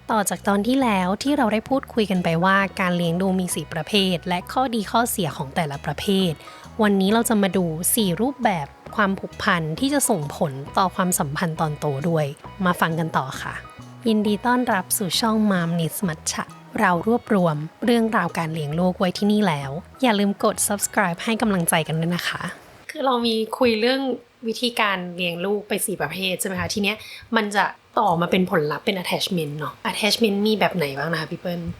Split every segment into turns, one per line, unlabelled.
ต่อจากตอนที่แล้วที่เราได้พูดคุยกันไปว่าการเลี้ยงดูมี4ประเภทและข้อดีข้อเสียของแต่ละประเภทวันนี้เราจะมาดู4รูปแบบความผูกพันที่จะส่งผลต่อความสัมพันธ์ตอนโตด้วยมาฟังกันต่อค่ะยินดีต้อนรับสู่ช่อง Mom Needs Matcha เรารวบรวมเรื่องราวการเลี้ยงลูกไว้ที่นี่แล้วอย่าลืมกด subscribe ให้กำลังใจกันด้วยนะคะคือเรามีคุยเรื่องวิธีการเลี้ยงลูกไป4ประเภทใช่ไหมคะทีเนี้ยมันจะต่อมาเป็นผลลัพธ์เป็น attachment เนาะ attachment มีแบบไหนบ้างนะคะพี่เปิ้ล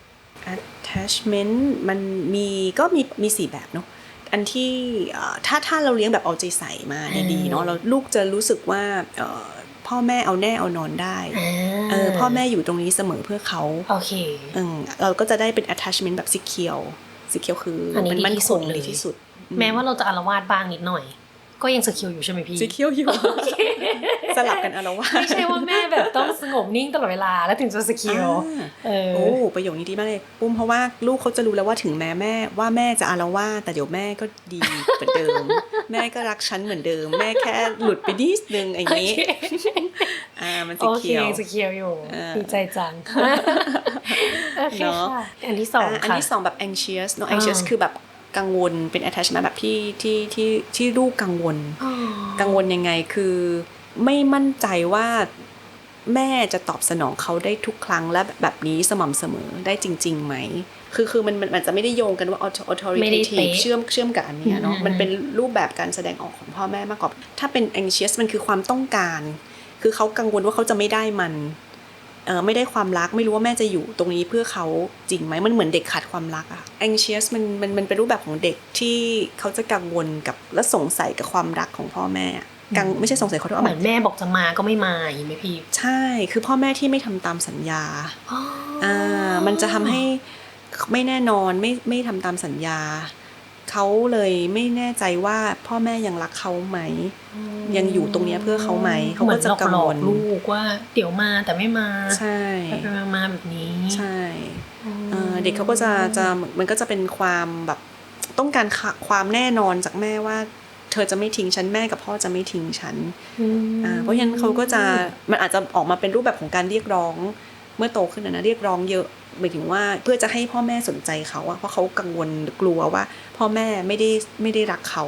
attachment มันมี4แบบเนาะอันที่ถ้าเราเลี้ยงแบบเอาใจใส่มาดีๆเนาะเราลูกจะรู้สึกว่าพ่อแม่เอาแน่เอานอนได้พ่อแม่อยู่ตรงนี้เสมอเพื่อเขา
โอเค
เราก็จะได้เป็น attachment แบบ secure คือมันมั่นคงดีที่สุด
แม้ว่าเราจะอาละวาดบ้างนิดหน่อยก็ยัง secure อยู่ใช่ไหมพี่
secure อยู่ สลับกันอาละวาด
ไม่ใช่ว่าแม่แบบต้องสงบนิ่งตลอดเวลาแล้วถึงจะ secure
โอ้ประโยคนี้ดีมากเลยปุ้มเพราะว่าลูกเขาจะรู้แล้วว่าถึงแม่จะอาละวาดแต่เดี๋ยวแม่ก็ดีเหมือนเดิม แม่ก็รักฉันเหมือนเดิมแม่แค่หลุดไปนิดนึงอย่างนี้มัน secure
โอเค secure อยู่ดีใจจังเนาะอันที่2
แบบ anxious เนาะ anxious คือแบบกังวลเป็น attachment แบบที่ลูกกังวลยังไงคือไม่มั่นใจว่าแม่จะตอบสนองเขาได้ทุกครั้งและแบบนี้สม่ำเสมอได้จริงๆไหมคือมันจะไม่ได้โยงกันว่า authoritative เชื่อมกับอันนี้เนาะมันเป็นรูปแบบการแสดงออกของพ่อแม่มากกว่าถ้าเป็น anxious มันคือความต้องการคือเขากังวลว่าเขาจะไม่ได้มันไม่ได้ความรักไม่รู้ว่าแม่จะอยู่ตรงนี้เพื่อเขาจริงไหมมันเหมือนเด็กขาดความรักอะ anxious มันเป็นรูปแบบของเด็กที่เขาจะกังวลกับและสงสัยกับความรักของพ่อแม่ไม่ใช่สงสัยเขาด้วย
เหมือนแม่บอกจะมาก็ไม่มาอย่างนี้ไหมพี่
ใช่คือพ่อแม่ที่ไม่ทำตามสัญญามันจะทำให้ไม่แน่นอนไม่ทำตามสัญญาเขาเลยไม่แน่ใจว่าพ่อแม่ยังรักเขาไหมยังอยู่ตรงนี้เพื่อเขาไหมเขาก็จะกังวล
ลูกว่าเดี๋ยวมาแต่ไม่มา
ใช่
ไปมาแบบนี้
ใช่เด็กเขาก็จะมันก็จะเป็นความแบบต้องการความแน่นอนจากแม่ว่าเธอจะไม่ทิ้งฉันแม่กับพ่อจะไม่ทิ้งฉันเพราะฉะนั้นเขาก็จะมันอาจจะออกมาเป็นรูปแบบของการเรียกร้องเมื่อโตขึ้นนะเรียกร้องเยอะหมายถึงว่าเพื่อจะให้พ่อแม่สนใจเขาเพราะเขากังวลกลัวว่าพ่อแม่ไม่ได้รักเขา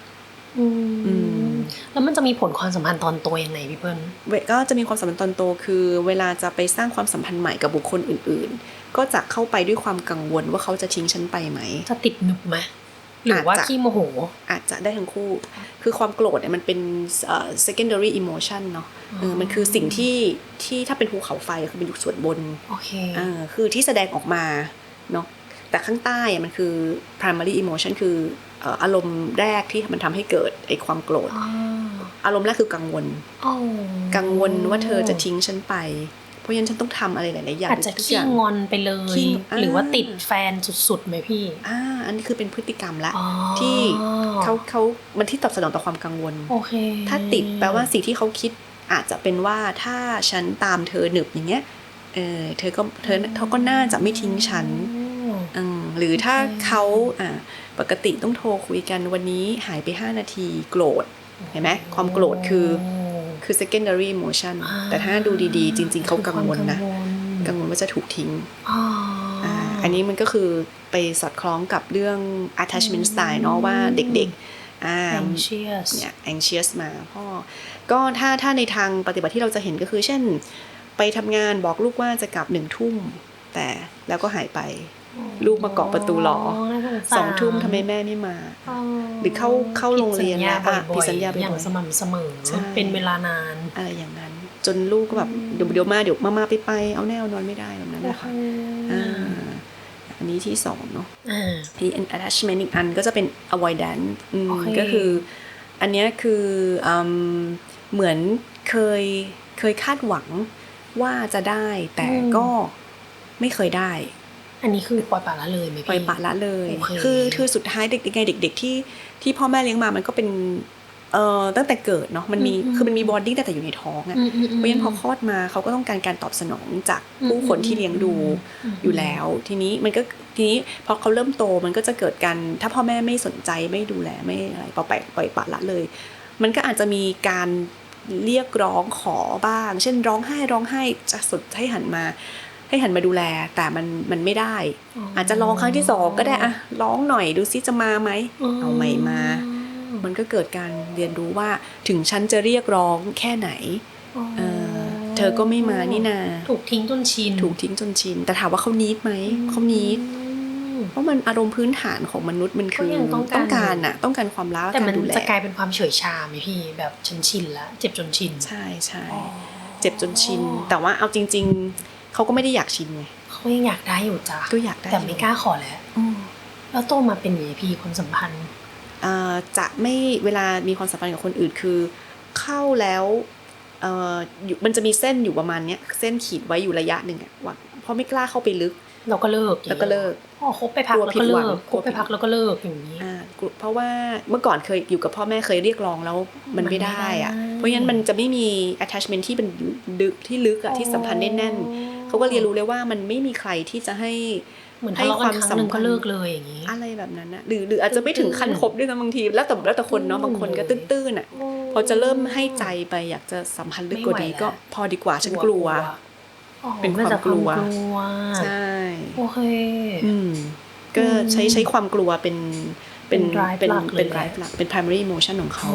แล้วมันจะมีผลความสัมพันธ์ตอนโตยังไงพี่เปิ้ล
ก็จะมีความสัมพันธ์ตอนโตคือเวลาจะไปสร้างความสัมพันธ์ใหม่กับบุคคลอื่นๆก็จะเข้าไปด้วยความกังวลว่าเขาจะทิ้งฉันไปไหม
จะติดหนึบไหมหรือว่าขี้โมโห
อาจจะได้ทั้งคู่คือความโกรธเนี่ยมันเป็นsecondary emotion เนาะมันคือสิ่งที่ถ้าเป็นภูเขาไฟคือมันอยู่ส่วนบน
โอเค
คือที่แสดงออกมาเนาะแต่ข้างใต้มันคือ primary emotion คืออารมณ์แรกที่มันทำให้เกิดไอ้ความโกรธอารมณ์แรกคือกังวลว่าเธอจะทิ้งฉันไปเพราะฉะนั้นฉันต้องทำอะไรหลายๆอย่าง
อาจจะขี้งอนไปเลยหรือว่าติดแฟนสุดๆไหมพี่
อันนี้คือเป็นพฤติกรรมละที่เขามันที่ตอบสนองต่อความกังวลถ้าติดแปลว่าสิ่งที่เขาคิดอาจจะเป็นว่าถ้าฉันตามเธอหนึบอย่างเงี้ยเธอก็น่าจะไม่ทิ้งฉันหรือถ้าเขาปกติต้องโทรคุยกันวันนี้หายไป5นาทีโกรธเห็นไหมความโกรธคือ secondary emotion แต่ถ้าดูดีๆจริงๆเขากังวลนะกังวลว่าจะถูกทิ้งอันนี้มันก็คือไปสอดคล้องกับเรื่อง attachment style เนาะว่าเด็กๆ
anxious
เนี่ย anxious มาพ่อก็ถ้าในทางปฏิบัติที่เราจะเห็นก็คือเช่นไปทำงานบอกลูกว่าจะกลับ1 ทุ่มแต่แล้วก็หายไปลูกมาเกาะประตูรอ2 ทุ่มทำไมแม่ไม่มาหรือเข้าโรงเรียน
ผิดสัญญาอย่างสม่ำเสมอเป็นเวลานาน
อะไรอย่างนั้นจนลูกก็แบบเดี๋ยวมาไปเอาแน่นอนไม่ได้แบบนั้นนะคะอันนี้ที่2เนาะที่ attachment อีกอันก็จะเป็น avoidance ก็คืออันนี้คือเหมือนเคยคาดหวังว่าจะได้แต่ก็ไม่เคยได้
อันนี้คือปล่อยปละละเลยไหมพี่
ปล่อยปละละเลยคือสุดท้ายเด็กที่พ่อแม่เลี้ยงมามันก็เป็นตั้งแต่เกิดเนาะมันมีบอดี้แต่อยู่ในท้องอ่ะเพราะฉะนั้นพอคลอดมาเขาก็ต้องการตอบสนองจากผู้คนที่เลี้ยงดูอยู่แล้วทีนี้พอเขาเริ่มโตมันก็จะเกิดการถ้าพ่อแม่ไม่สนใจไม่ดูแลไม่อะไรปล่อยปละละเลยมันก็อาจจะมีการเรียกร้องขอบ้างเช่นร้องไห้จะสดให้หันมาให้หันมาดูแลแต่มันไม่ได้ อาจจะลองครั้งที่2ก็ได้อะร้องหน่อยดูซิจะมาไหมเอาไม่มามันก็เกิดการเรียนรู้ว่าถึงฉันจะเรียกร้องแค่ไหนเธอก็ไม่มานี่นา
ถูกทิ้งจนชิน
แต่ถามว่าเขาneedไหมเขาneedเพราะมันอารมณ์พื้นฐานของมนุษย์มันคือต้องการความรัก
แต่มันจะกลายเป็นความเฉยชาไหมพี่แบบฉันชินแล้วเจ็บจนชิน
ใช่เจ็บจนชินแต่ว่าเอาจริงๆเขาก็ไม่ได้อยากชินไง
เขายังอยากได้อยู่จ้ะ
ก็อยากได้
แต่ไม่กล้าขอแล้วโตมาเป็นไงพี่ความสัมพันธ์
จะไม่เวลามีความสัมพันธ์กับคนอื่นคือเข้าแล้วมันจะมีเส้นอยู่ประมาณเนี้ยเส้นขีดไว้อยู่ระยะหนึ่งอะว่าเพราะไม่กล้าเข้าไปลึก
เราก็เลิกคบไปพักแล้วก็เลิกคบไปพักแล้วก็เลิกอย่างนี้
เพราะว่าเมื่อก่อนเคยอยู่กับพ่อแม่เคยเรียกร้องแล้วมันไม่ได้อะเพราะฉะนั้นมันจะไม่มี attachment ที่เป็นที่ลึกอะที่สัมพันธ์แน่นๆเขาก็เรียนรู้เลยว่ามันไม่มีใครที่จะให้
ความสัมพันธ์ก็เลิกเลยอย่างนี้
อะไรแบบนั้นนะหรืออาจจะไม่ถึงขั้นคบด้วยนะบางทีแล้วแต่คนเนาะบางคนก็ตื้นๆอ่ะพอจะเริ่มให้ใจไปอยากจะสัมพันธ์ลึกกว่านี้ก็พอดีกว่าฉันกลัวเป็นความกลัวใช่
โอเค
ก็ใช้ความกลัวเป็น drive หลักเป็น primary emotion ของเขา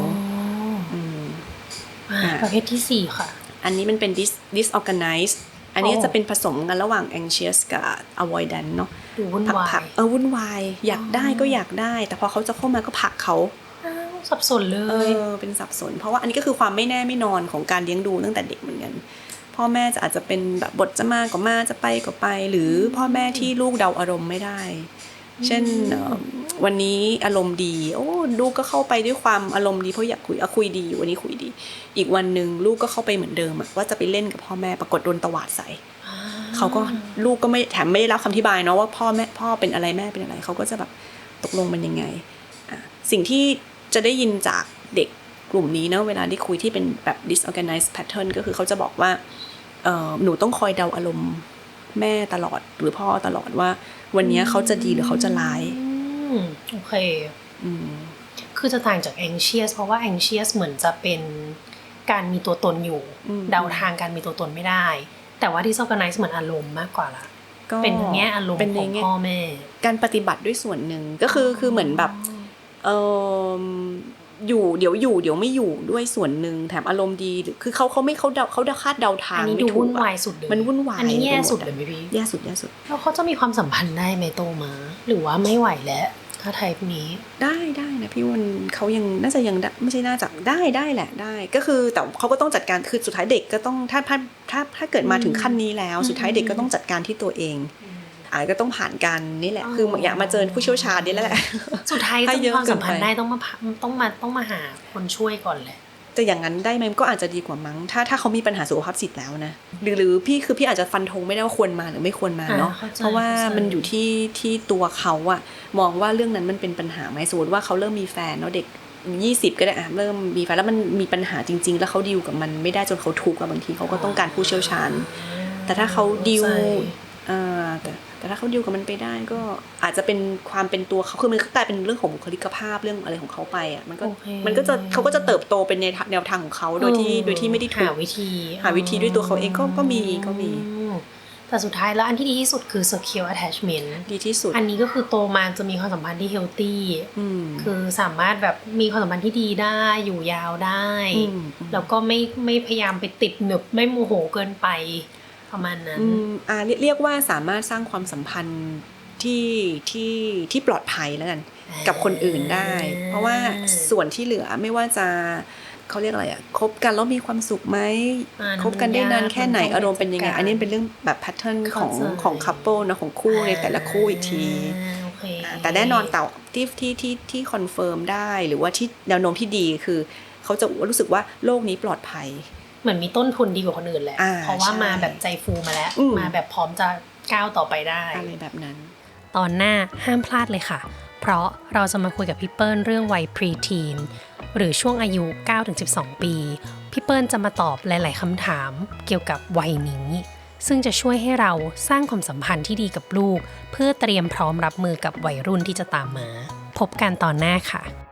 ประเภทที่4ค่ะ
อันนี้มันเป็น disorganized อันนี้จะเป็นผสมกันระหว่าง anxious กับ avoidant เนาะ
วุ่นวาย
วุ่นวายอยากได้ก็อยากได้แต่พอเขาจะเข้ามาก็ผลักเขา
สับสนเลย
เป็นสับสนเพราะว่าอันนี้ก็คือความไม่แน่ไม่นอนของการเลี้ยงดูตั้งแต่เด็กเหมือนกันพ่อแม่จะอาจจะเป็นแบบบทจะมาก็มาจะไปก็ไปหรือพ่อแม่ที่ลูกเดาอารมณ์ไม่ได้เช่นวันนี้อารมณ์ดีลูกก็เข้าไปด้วยความอารมณ์ดีเพราะอยากคุยดีวันนี้คุยดีอีกวันนึงลูกก็เข้าไปเหมือนเดิมว่าจะไปเล่นกับพ่อแม่ปรากฏโดนตวาดใส่เขาก็ลูกก็ไม่แถมไม่ได้รับคำอธิบายเนาะว่าพ่อเป็นอะไรแม่เป็นอะไรเขาก็จะแบบตกลงมันยังไงสิ่งที่จะได้ยินจากเด็กกลุ่มนี้เนาะเวลาที่คุยที่เป็นแบบ disorganized pattern ก็คือเขาจะบอกว่าหนูต้องคอยเดาอารมณ์แม่ตลอดหรือพ่อตลอดว่าวันนี้เขาจะดีหรือเขาจะร้าย
โอเคคือจะต่างจาก anxious เพราะว่า anxious เหมือนจะเป็นการมีตัวตนอยู่เดาทางการมีตัวตนไม่ได้แต่ว่า disorganized เหมือนอารมณ์มากกว่าละเป็นทั้งแง่อารมณ์ของพ่อแม่
การปฏิบัติด้วยส่วนหนึ่งก็คือเหมือนแบบอยู่เดี๋ยวไม่อยู่ด้วยส่วนหนึ่งแถมอารมณ์ดีคือเขาคาดเดาทาง
ไม่ถูกอันนี้ดูวุ่นวายสุดเลย
มันวุ่นวาย
อันนี้แย่สุดเลยไหมพี่
แย่สุด
แล้วเขาจะมีความสัมพันธ์ได้ไหมโตมาหรือว่าไม่ไหวแล้วถ้าไทป์นี้
ได้นะพี่วันเขายังน่าจะยังไม่ใช่น่าจะได้แหละได้ก็คือแต่เขาก็ต้องจัดการคือสุดท้ายเด็กก็ต้องถ้าเกิดมาถึงขั้นนี้แล้วสุดท้ายเด็กก็ต้องจัดการที่ตัวเองก็ต้องผ่านกันนี่แหละคืออยากมาเจอผู้เชี่ยวชาญนี่แหละ
สุดท้ายจะมีความสัมพันธ์ได้ต้องมาหาคนช่วยก่อนแหละ
แต่อย่างนั้นได้ไหมก็อาจจะดีกว่ามั้งถ้าเขามีปัญหาสุขภาพจิตแล้วนะหรือพี่อาจจะฟันธงไม่ได้ว่าควรมาหรือไม่ควรมาเนาะเพราะว่ามันอยู่ที่ตัวเขาอะมองว่าเรื่องนั้นมันเป็นปัญหาไหมสมมติว่าเขาเริ่มมีแฟนเนาะเด็ก20ก็ได้เริ่มมีแฟนแล้วมันมีปัญหาจริงๆแล้วเขาดีลกับมันไม่ได้จนเขาทุกข์บางทีเขาก็ต้องการผู้เชี่ยวชาญแต่ถ้าเขาดีลแต่ถ้าเขาดิวกับมันไปได้ก็อาจจะเป็นความเป็นตัวเขาคือมันกลายเป็นเรื่องของบุคลิกภาพเรื่องอะไรของเขาไปอ่ะมันก็จะเขาก็จะเติบโตเป็นในแนวทางของเขาโดยที่ไม่ได้ถูก
หาวิธี
ด้วยตัวเขาเองก็มี
แต่สุดท้ายแล้วอันที่ดีที่สุดคือ secure attachment
ดีที่สุด
อันนี้ก็คือโตมาจะมีความสัมพันธ์ที่ healthy คือสามารถแบบมีความสัมพันธ์ที่ดีได้อยู่ยาวได้แล้วก็ไม่พยายามไปติดหนึบไม่โมโหเกินไปประมาณนั้น
เรียกว่าสามารถสร้างความสัมพันธ์ที่ปลอดภัยแล้วกันกับคนอื่นได้เพราะว่าส่วนที่เหลือไม่ว่าจะเขาเรียกอะไรคบกันแล้วมีความสุขไหมคบกันได้นานแค่ไหนอารมณ์เป็นยังไงอันนี้เป็นเรื่องแบบแพทเทิร์นของคัพเปิลนะของคู่ในแต่ละคู่อีกทีแต่แน่นอนแต่ที่คอนเฟิร์มได้หรือว่าที่แนวโน้มที่ดีคือเขาจะรู้สึกว่าโลกนี้ปลอดภัย
เหมือนมีต้นทุนดีกว่าคนอื่นแหละเพราะว่ามาแบบใจฟูมาแล้วมาแบบพร้อมจะก้าวต่อไปได้
อะไรแบบนั้น
ตอนหน้าห้ามพลาดเลยค่ะเพราะเราจะมาคุยกับพี่เปิ้ลเรื่องวัยพรีทีนหรือช่วงอายุ 9-12 ปีพี่เปิ้ลจะมาตอบหลายๆคำถามเกี่ยวกับวัยนี้ซึ่งจะช่วยให้เราสร้างความสัมพันธ์ที่ดีกับลูกเพื่อเตรียมพร้อมรับมือกับวัยรุ่นที่จะตามมาพบกันตอนหน้าค่ะ